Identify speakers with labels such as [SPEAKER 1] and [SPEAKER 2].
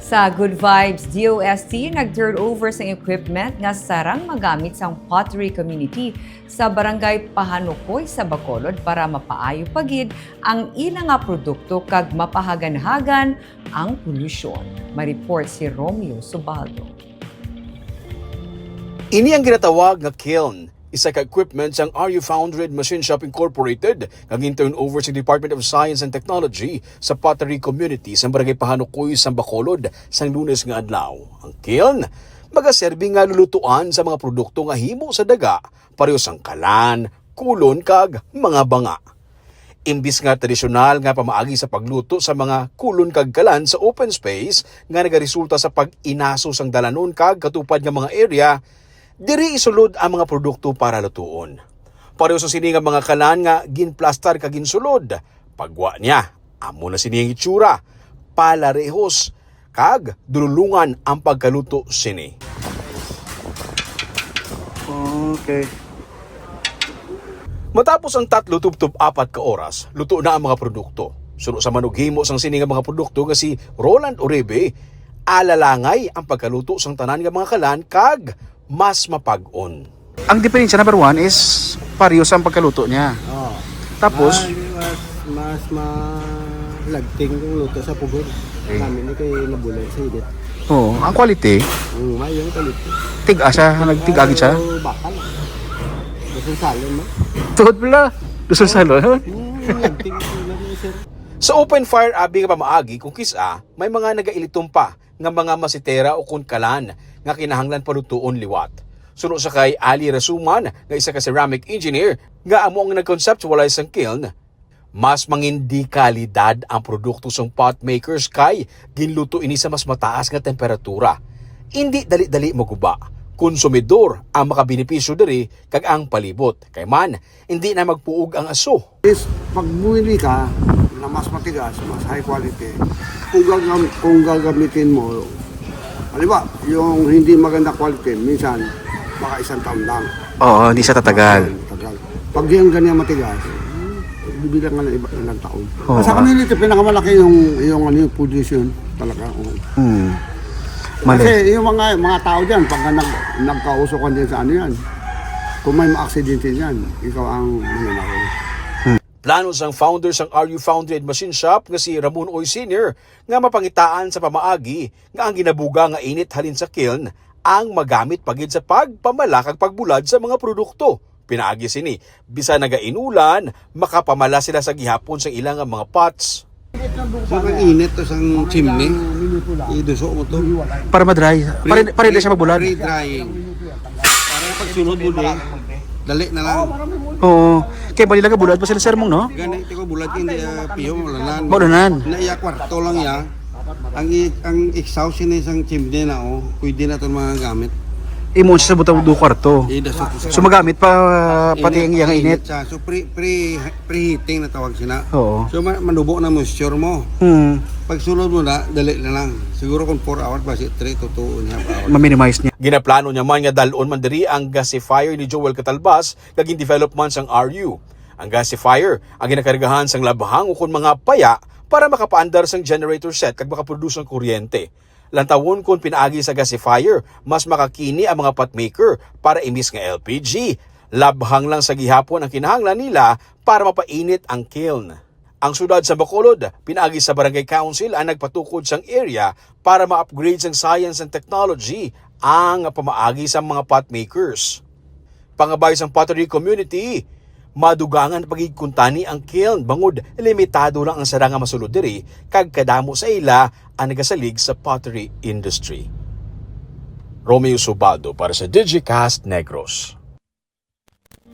[SPEAKER 1] Sa Good Vibes DOST, nag-turn over sa equipment nga sarang magamit sa pottery community sa barangay Pahanukoy sa Bacolod para mapaayo pagid ang ilang nga produkto kag mapahagan-hagan ang polusyon. Mareport si Romeo Subaldo.
[SPEAKER 2] Ini ang ginatawag nga kiln, isa ka equipment sang RU Foundry Machine Shop Incorporated nga turn over sa Department of Science and Technology sa pottery community sa barangay Pahanukoy sa Bacolod sang Lunes nga adlaw. Ang kiln magaserbi nga lulutuan sa mga produkto nga himo sa daga, pareho sang kalan, kulon kag mga banga. Imbis nga tradisyonal nga pamaagi sa pagluto sa mga kulon kag kalan sa open space nga nagaresulta sa pag-inaso sang dalanon kag katupad nga mga area, diri isulod ang mga produkto para lutuon. Pareho sa sini nga mga kalan nga ginplastar kag ginsulod. Pagwa niya, amo na sini ang itsura, palarehos kag dululungan ang pagkaluto sini.
[SPEAKER 3] Okay.
[SPEAKER 2] Matapos ang 3 tub-tub 4 ka oras, luto na ang mga produkto. Suno sa manughimo sang sini nga mga produkto nga si Roland Uribe, alalangay ang pagkaluto sang tanan nga mga kalan kag mas mapag-on.
[SPEAKER 3] Ang diferensya number 1 is parehas ang pagkaluto niya.
[SPEAKER 4] Oh.
[SPEAKER 3] Tapos,
[SPEAKER 4] mas malagting yung luto sa pugod.
[SPEAKER 3] Okay.
[SPEAKER 4] Kami ni kay nabulan sa edit.
[SPEAKER 3] ang quality,
[SPEAKER 4] May yung kalit.
[SPEAKER 3] tiga siya, nagtigagit siya.
[SPEAKER 4] Bakal. Gusto salon mo?
[SPEAKER 3] Tuhod pala, gusto sa salon.
[SPEAKER 4] Lagting na ni sir.
[SPEAKER 2] Sa open fire abi nga pamaagi kung kisa, may mga nagailitom pa nga mga masitera o kun kalan nga kinahanglan palutuon liwat. Suno sa kay Ali Rasuman nga isa ka ceramic engineer nga amo ang nag-conceptualize ang kiln, mas mangindi kalidad ang produkto sang pot makers kay ginluto ini sa mas mataas nga temperatura. Hindi dali-dali maguba. Konsumidor ang makabenepisyo diri kag ang palibot. Kay man, hindi na magpuog ang aso.
[SPEAKER 5] Is pag bumili ka na mas matigas, mas high quality, kung gagamitin mo, halimbawa, yung hindi maganda quality, minsan, baka 1 taon lang.
[SPEAKER 3] Oo, hindi siya tatagal.
[SPEAKER 5] Tagal. Pag yung ganyan matigas, bibilang ka ng ilang taon.
[SPEAKER 3] Oo.
[SPEAKER 5] Sa community, pinakamalaki yung position talaga.
[SPEAKER 3] Mali.
[SPEAKER 5] Kasi yung mga tao dyan, pag nagkausokan din sa ano yan, kung may ma-aksidente dyan, ikaw ang mananakot.
[SPEAKER 2] Plano sang founder sang RU Foundry Machine Shop nga si Ramon Oy Sr. nga mapangitaan sa pamaagi nga ang ginabuga nga init halin sa kiln ang magamit pagid sa pagpamala kag pagbulad sa mga produkto. Pinaagi sini, bisa nagainulan, makapamala sila sa gihapon sa ilang mga pots.
[SPEAKER 4] So pag init to sang chimney, iduso mo to.
[SPEAKER 3] Para ma-dry. Para hindi siya mabulad.
[SPEAKER 4] Pre-drying. Para pag sunod mo dali na lang.
[SPEAKER 3] Oo. Kaya bali lang bulad pa sila sermong, no?
[SPEAKER 4] Ganito ko bulat hindi piyo malanan.
[SPEAKER 3] Maulanan.
[SPEAKER 4] Na iya kwarto lang ya. Ang exhaust ni isang chimney na pwede na 'tong mga gamit.
[SPEAKER 3] Imon siya sa butang 2 kwarto.
[SPEAKER 4] Idaso ko
[SPEAKER 3] So magamit pa pati ang iyang init.
[SPEAKER 4] siya. So preheating na tawag sina.
[SPEAKER 3] Oo.
[SPEAKER 4] So manubo na moisture mo. Pag sunod mo na, dali na lang. Siguro kung 4 hours ba, 3 to 2.5 hours.
[SPEAKER 3] Ma-minimize niya.
[SPEAKER 2] Ginaplano niya man nga dalon man diri ang gasifier ni Joel Catalbas kag develop man sang RU. Ang gasifier ang ginakargahan sang labhang o kun mga paya para makapaandar sang generator set kag makaproduce ng kuryente. Lantawon kung pinaagi sa gasifier, mas makakini ang mga potmaker para imbis nga LPG. Labhang lang sa gihapon ang kinahanglan nila para mapainit ang kiln. Ang sudad sa Bacolod, pinaagi sa Barangay Council ang nagpatukod sang area para ma-upgrade sang science and technology ang pamaagi sa mga potmakers. Pangabay sang pottery community, madugangan pagigkuntani ang kiln bangod limitado lang ang saranga masulod diri kag kadamo sa ila ang nagasalig sa pottery industry. Romeo Subaldo para sa Digicast Negros.